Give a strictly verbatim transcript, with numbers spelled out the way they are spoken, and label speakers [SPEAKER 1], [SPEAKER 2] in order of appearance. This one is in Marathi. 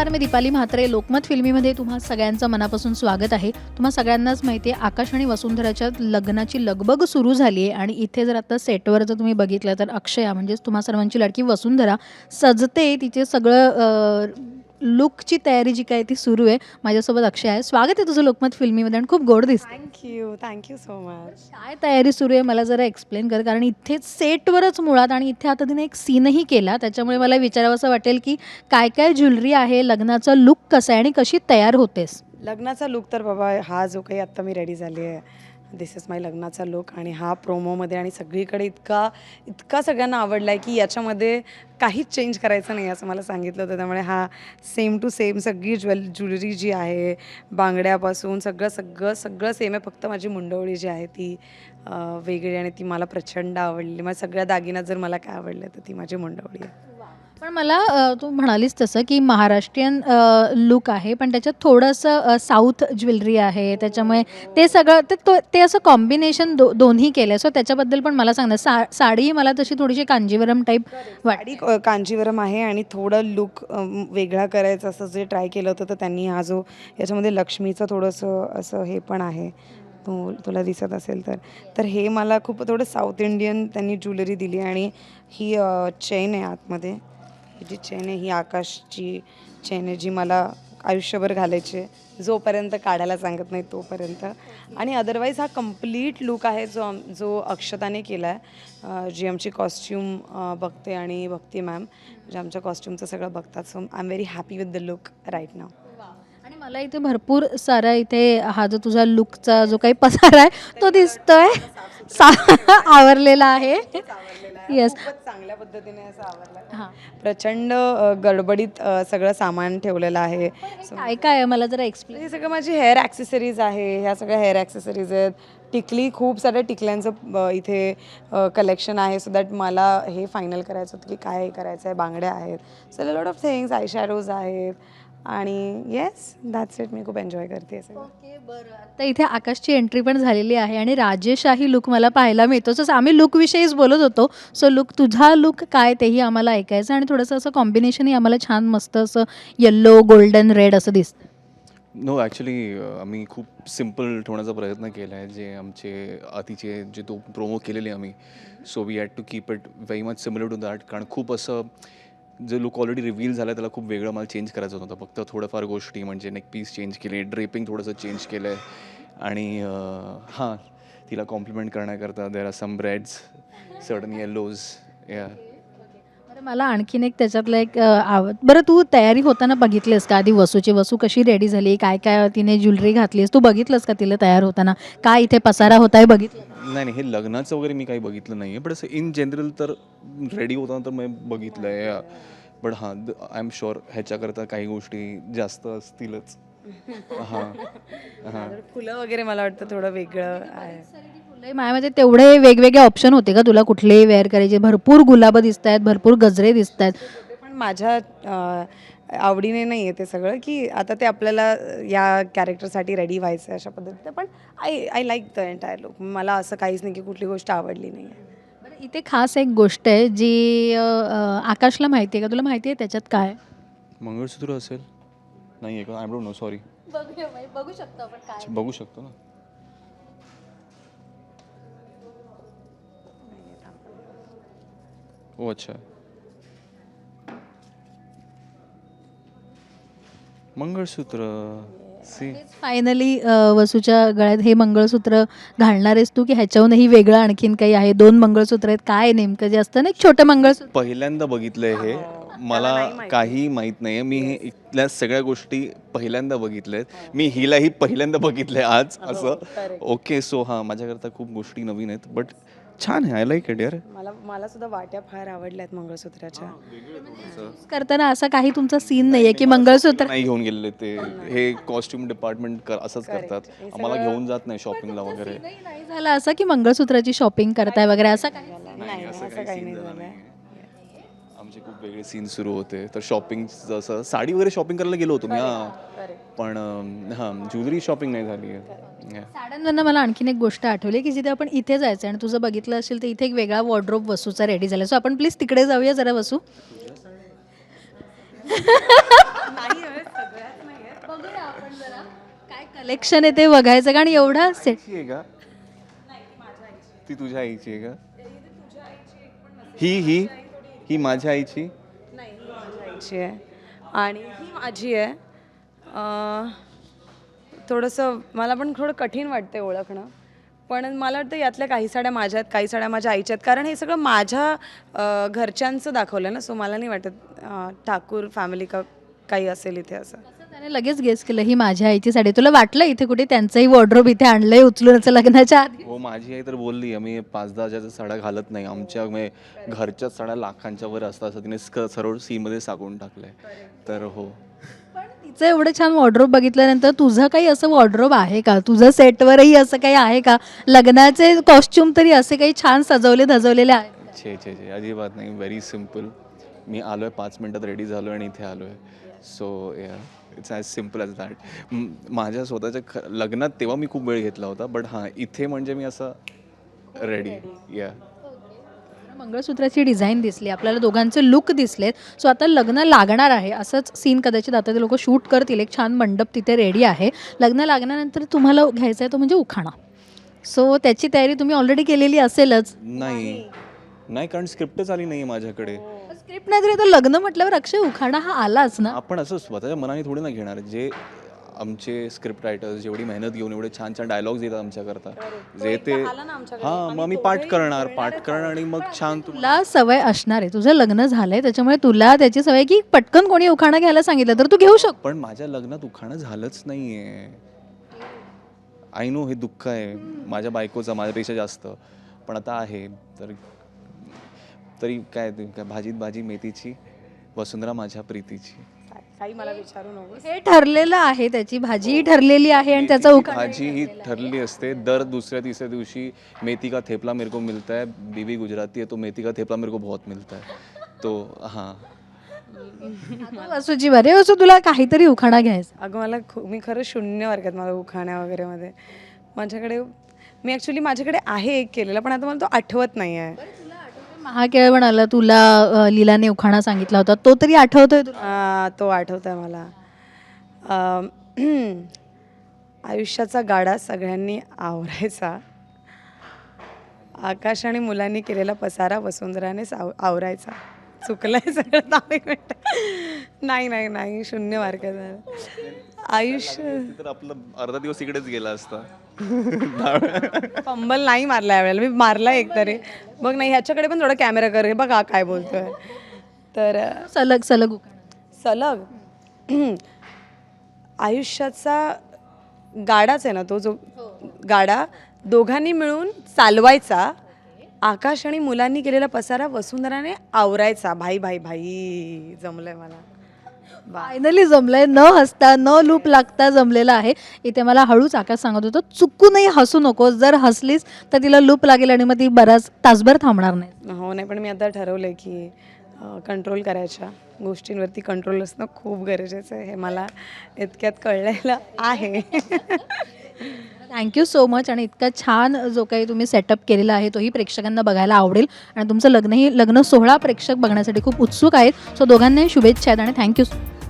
[SPEAKER 1] नमस्कार, मी दीपाली म्हात्रे. लोकमत फिल्मीमध्ये तुम्हा सगळ्यांचं मनापासून स्वागत आहे. तुम्हा सगळ्यांनाच माहिती आहे, आकाश आणि वसुंधराच्या लग्नाची लगबग सुरू झाली आहे आणि इथे जर आता सेटवर जर तुम्ही बघितलं तर अक्षया म्हणजेच तुम्हा सर्वांची लाडकी वसुंधरा सजते. तिचे सगळं लुकची तयारी जी काय ती सुरू आहे. माझ्यासोबत अक्षय आहे. स्वागत आहे तुझं लोकमत फिल्मीमध्ये आणि खूप गोड दिसते.
[SPEAKER 2] Thank you thank you so much.
[SPEAKER 1] काय तयारी सुरू आहे मला जरा एक्सप्लेन कर, कारण इथेच सेटवरच मुळात आणि इथे आता तिने एक सीनही केला, त्याच्यामुळे मला विचारावं असं वाटेल की काय काय ज्वेलरी आहे, लग्नाचा लुक कसा आहे आणि कशी तयार होतेस.
[SPEAKER 2] लग्नाचा लुक तर बाबा हा जो काही आत्ता मी रेडी झाली आहे, दिस इज माय लग्नाचा लुक. आणि हा प्रोमोमध्ये आणि सगळीकडे इतका इतका सगळ्यांना आवडला आहे की याच्यामध्ये काहीच चेंज करायचं नाही असं मला सांगितलं होतं. त्यामुळे हा सेम टू सेम सगळी ज्वेल ज्वेलरी जी आहे, बांगड्यापासून सगळं सगळं सगळं सेम आहे. फक्त माझी मुंडवळी जी आहे ती वेगळी आणि ती मला प्रचंड आवडली. मग सगळ्या दागिन्यात जर मला काय आवडलं तर ती माझी मुंडवळी आहे.
[SPEAKER 1] पण मला तू म्हणालीस तसं की महाराष्ट्रीयन लुक आहे, पण त्याच्यात थोडंसं साऊथ ज्वेलरी आहे, त्याच्यामुळे ते सगळं ते ते असं कॉम्बिनेशन दो दोन्ही केलं आहे. सो त्याच्याबद्दल पण मला सांग ना. सा साडी मला तशी थोडीशी कांजीवरम टाईप
[SPEAKER 2] साडी कांजीवरम आहे आणि थोडं लुक वेगळा करायचं असं जे ट्राय केलं होतं तर त्यांनी हा जो याच्यामध्ये लक्ष्मीचं थोडंसं असं हे पण आहे, तू तुला दिसत असेल तर तर हे मला खूप थोडं साऊथ इंडियन त्यांनी ज्वेलरी दिली. आणि ही चेन आहे आतमध्ये, ही जी चेन आहे ही आकाशची चेन आहे जी मला आयुष्यभर घालायची आहे, जोपर्यंत काढायला सांगत नाही तोपर्यंत. आणि अदरवाईज हा कम्प्लीट लुक आहे जो आम जो अक्षताने केला आहे, जी आमची कॉस्ट्यूम बघते आणि भक्ती मॅम जे आमच्या कॉस्ट्यूमचं सगळं बघतात. So I am very happy with the look right now.
[SPEAKER 1] आणि मला इथे भरपूर सारा इथे हा जो तुझा लुकचा जो काही पसारा आहे तो दिसतोय, आवरलेला आहे. येस,
[SPEAKER 2] चांगल्या पद्धतीने असं आवडलं.
[SPEAKER 1] हां,
[SPEAKER 2] प्रचंड गडबडीत सगळं सामान ठेवलेलं आहे.
[SPEAKER 1] काय काय आहे मला जरा एक्सप्लेन.
[SPEAKER 2] हे सगळं माझी हेअर ॲक्सेसरीज आहे, ह्या सगळ्या हेअर ॲक्सेसरीज आहेत. टिकली, खूप साऱ्या टिकल्यांचं इथे कलेक्शन आहे, सो दॅट मला हे फायनल करायचं होतं की काय करायचं आहे. बांगड्या आहेत, so lot of things, eye shadows आहेत. आणि येस, दॅट्स इट. मी खूप एन्जॉय करते हे सगळं.
[SPEAKER 1] ओके, बरं. आता इथे आकाशची एंट्री पण झालेली आहे आणि राजेशाही लुक मला पाहायला मिळतो. जसं आम्ही लुकविषयीच बोलत होतो, सो लुक तुझा लुक काय तेही आम्हाला ऐकायचं आणि थोडंसं असं कॉम्बिनेशनही आम्हाला छान मस्त असं येल्लो गोल्डन रेड असं दिसतं.
[SPEAKER 3] नो ॲक्च्युली आम्ही खूप सिम्पल ठेवण्याचा प्रयत्न केला आहे. जे आमचे आधीचे जे तो प्रोमो केलेले आम्ही, so we had to keep it very much similar to that. कारण खूप असं जे लुक ऑलरेडी रिव्हील झालं त्याला खूप वेगळं मला चेंज करायचं होतं. फक्त थोडंफार गोष्टी म्हणजे नेक पीस चेंज केले, ड्रेपिंग थोडंसं चेंज केलं आहे. आणि हां, तिला कॉम्प्लिमेंट करण्याकरता there are some reds, certain yellows. या
[SPEAKER 1] बरं, मला आणखीन एक त्याच्यातलं एक आवड. बरं, तू तयारी होताना बघितलीस का आधी वसूची? वसू कशी रेडी झाली, काय काय तिने ज्वेलरी घातलीस, तू बघितलंस का तिला तयार होताना काय इथे पसारा होता आहे बघितलं?
[SPEAKER 3] नाही नाही, हे लग्नाचं वगैरे मी काही बघितलं नाही आहे, पण असं इन जनरल तर रेडी होताना तर मी बघितलं आहे. बट हां, आय एम शुअर ह्याच्याकरता काही गोष्टी जास्त असतीलच. हां हां,
[SPEAKER 2] फुलं वगैरे मला वाटतं थोडं वेगळं आहे.
[SPEAKER 1] माझ्यामध्ये तेवढे वेगवेगळे ऑप्शन होते का तुला कुठलेही वेअर करायचे? भरपूर गुलाबं दिसत आहेत, भरपूर गजरे दिसत आहेत.
[SPEAKER 2] पण माझ्या आवडीने नाही आहे ते सगळं, की आता ते आपल्याला या कॅरेक्टरसाठी रेडी व्हायचं आहे अशा पद्धतीने. पण I I like the entire look. मला असं काहीच नाही की कुठली गोष्ट आवडली नाही आहे.
[SPEAKER 1] बरं, इथे खास एक गोष्ट आहे जी आकाशला माहिती आहे का? तुला माहिती आहे त्याच्यात काय?
[SPEAKER 3] मंगळसूत्र असेल? नाही आहे का? I don't know, sorry.
[SPEAKER 1] बघू शकतो आपण काय.
[SPEAKER 3] बघू शकतो ना. ओ अच्छा, मंगळसूत्र. सी
[SPEAKER 1] फायनली वसूच्या गळ्यात हे मंगळसूत्र घालणार आहेस तू, की ह्याच्याहूनही वेगळं आणखीन काही आहे? दोन मंगळसूत्र आहेत, काय नेमकं जे असतं ना एक छोटं मंगळसूत्र?
[SPEAKER 3] पहिल्यांदा बघितलंय हे, मला काही माहीत नाही आहे. मी हे इथल्या सगळ्या गोष्टी पहिल्यांदा बघितल्यात. मी हिलाही पहिल्यांदा बघितलंय आज असं. ओके, सो हां, माझ्याकरता खूप गोष्टी नवीन आहेत, बट छान आहे. आय लाईक इट यार.
[SPEAKER 2] मला मला सुद्धा वाट्या फार आवडल्या आहेत मंगळसूत्राच्या.
[SPEAKER 1] करताना असा काही तुमचा सीन नाहीये की मंगळसूत्र
[SPEAKER 3] नाही घेऊन गेलेले ते, हे कॉस्ट्युम डिपार्टमेंट असंच करतात, आम्हाला घेऊन जात नाही शॉपिंगला वगैरे.
[SPEAKER 1] नाही झालं असं की मंगळसूत्राची शॉपिंग करताय वगैरे असं काही?
[SPEAKER 2] नाही, असं काही नाही झालं.
[SPEAKER 3] आमचे खूप वेगळे सीन सुरू होते. तर शॉपिंग जसं साडी वगैरे शॉपिंग करायला गेलो होतो मी, हां, पण हां, ज्वेलरी शॉपिंग नाही झाली आहे.
[SPEAKER 1] साड्यांवरनं मला आणखीन एक गोष्ट आठवली की जिथे आपण इथे जायचं आणि तुझं बघितलं असेल तर इथे एक वेगळा वॉर्डरोब वसूचा रेडी झाला. सो आपण प्लीज तिकडे जाऊया जरा वसू.
[SPEAKER 2] नाही
[SPEAKER 1] काय कलेक्शन आहे ते बघायचं कारण एवढा सेट
[SPEAKER 3] आईची आहे का ती तुझ्या आईची आहे का ही ही ही माझ्या आईची
[SPEAKER 2] नाही ही माझ्या आईची आहे आणि ही माझी आहे. अं, थोडंसं मला पण थोडं कठीण वाटते ओळखणं, पण मला वाटतं यातल्या काही साड्या माझ्या आहेत, काही साड्या माझ्या आईच्या आहेत, कारण हे सगळं माझ्या अं, घरच्यांचं दाखवलं ना, सो मला नाही वाटत अं, ठाकूर फॅमिली का काही असेल इथे असं.
[SPEAKER 1] त्याने लगेच गेस केलं ही माझ्या आईची साडी. तुला वाटलं इथे कुठे त्यांचंही वॉर्डरोब इथे आणलंय उचलून असं लग्नाच्या आधी?
[SPEAKER 3] हो माझी आई तर बोलली आम्ही पाच दहा हजारच्या साड्या घालत नाही, आमच्या म्हणजे घरच्याच साड्या लाखांच्या वर असतात असं तिने स्क सरळ सीमध्ये सांगून टाकलंय. तर हो
[SPEAKER 1] पण तिचं एवढं छान वॉर्डरोब बघितल्यानंतर तुझं काही असं वॉर्डरोब आहे का? तुझं सेटवरही असं काही आहे का? लग्नाचे कॉस्ट्युम तरी असे काही छान सजवले धजवलेले आहेत?
[SPEAKER 3] छे छे छे अजिबात नाही, व्हेरी सिम्पल. मी आलो आहे पाच मिनटात रेडी झालो आणि इथे आलो आहे. So yeah it's as simple as that. माझ्या स्वतःच्या ख लग्नात तेव्हा मी खूप वेळ घेतला होता, बट हां इथे म्हणजे मी असं रेडी या.
[SPEAKER 1] मंगळसूत्राची डिझाईन दिसली, आपल्याला दोघांचे लुक दिसलेत. सो आता लग्न लागणार आहे असंच सीन कदाचित आता ते लोक शूट करतील. एक छान मंडप तिथे रेडी आहे. लग्न लागल्यानंतर तुम्हाला घ्यायचं आहे तो म्हणजे उखाणा. सो त्याची तयारी तुम्ही ऑलरेडी केलेली असेलच.
[SPEAKER 3] नाही नाही कारण स्क्रिप्टच आली नाही माझ्याकडे.
[SPEAKER 1] स्क्रिप्ट नाही तरी आता लग्न म्हटल्यावर अक्षय उखाणा हा आलाच ना.
[SPEAKER 3] आपण असं स्वतःच्या मनाने थोडी ना घेणार. जे आमचे स्क्रिप्ट रायटर्स जेवढी मेहनत घेऊन एवढे छान छान डायलॉग्स येतात आमच्याकरता, जे ते हां मग मी पाठ करणार पाठ करणार आणि मग छान तुला
[SPEAKER 1] तुला सवय असणार आहे, तुझं लग्न झालंय त्याच्यामुळे तुला त्याची सवय की पटकन कोणी उखाणा घ्यायला सांगितलं तर तू घेऊ शकतो.
[SPEAKER 3] पण माझ्या लग्नात उखाणं झालंच नाहीये. आय नो हे दुःख आहे माझ्या बायकोचं माझ्यापेक्षा जास्त, पण आता आहे तर तरी काय ते काय भाजीत भाजी मेथीची वसुंधरा माझ्या प्रीतीची.
[SPEAKER 2] काही मला विचारू नको.
[SPEAKER 1] हे ठरलेलं आहे, त्याची भाजी ठरलेली आहे आणि त्याचा
[SPEAKER 3] मेथीची
[SPEAKER 1] उखाणा
[SPEAKER 3] भाजी ही ठरलेली असते. दर दुसऱ्या तिसऱ्या दिवशी मेथी का थेपला मेरे को मिलता है, बीवी गुजराती है तो मेथी का थेपला मेरे को बहुत मिलता है. तो हां
[SPEAKER 1] आता वसूची बरे वसू तुला काहीतरी उखाणा घ्यायचा.
[SPEAKER 2] अगं मला खू मी खरं शून्य वर्गात मला उखाण्या वगैरेमध्ये माझ्याकडे मी ॲक्च्युली माझ्याकडे आहे एक केलेला, पण आता मला तो आठवत नाही आहे.
[SPEAKER 1] महाकेळवण आला तुला अ, लीलाने उखाणा सांगितला होता तो तरी आठवतोय तुला?
[SPEAKER 2] आ, तो आठवत आहे मला. अम, आयुष्याचा गाडा सगळ्यांनी आवरायचा, आकाश आणि मुलांनी केलेला पसारा वसुंधराने साव आवरायचा. चुकलंय सगळं. दहा एक मिनिटं. नाही नाही नाही शून्य मार्काचा. आयुष्य
[SPEAKER 3] तर आपलं अर्धा दिवस इकडेच गेला असता.
[SPEAKER 2] फंबल नाही मारला यावेळेला, मी मारला एक तरी. बघ नाही ह्याच्याकडे पण थोडा कॅमेरा कर, हे बघा काय बोलतोय. तर
[SPEAKER 1] सलग सलग उखाणा.
[SPEAKER 2] सलग आयुष्याचा गाडाच आहे ना तो, जो गाडा दोघांनी मिळून चालवायचा, आकाश आणि मुलांनी केलेला पसारा वसुंधराने आवरायचा. भाई भाई भाई जमलंय मला.
[SPEAKER 1] फायनली जमलंय, न हसता न लूप लागता जमलेला आहे. इथे मला हळूच आकाश सांगत होतं चुकूनही हसू नको, जर हसलीस तर तिला लूप लागेल आणि मग ती बराच तासभर थांबणार नाही.
[SPEAKER 2] हो नाही, पण मी आता ठरवलंय की कंट्रोल करायच्या गोष्टींवरती कंट्रोल असणं खूप गरजेचं आहे. हे मला इतक्यात कळलेलं आहे.
[SPEAKER 1] Thank you so much. आणि इतका छान जो काही तुम्ही सेटअप केलेला आहे तोही प्रेक्षकांना बघायला आवडेल आणि तुमचं लग्नही लग्न सोहळा प्रेक्षक बघण्यासाठी खूप उत्सुक आहेत. सो दोघांनाही शुभेच्छा आहेत आणि थँक्यू.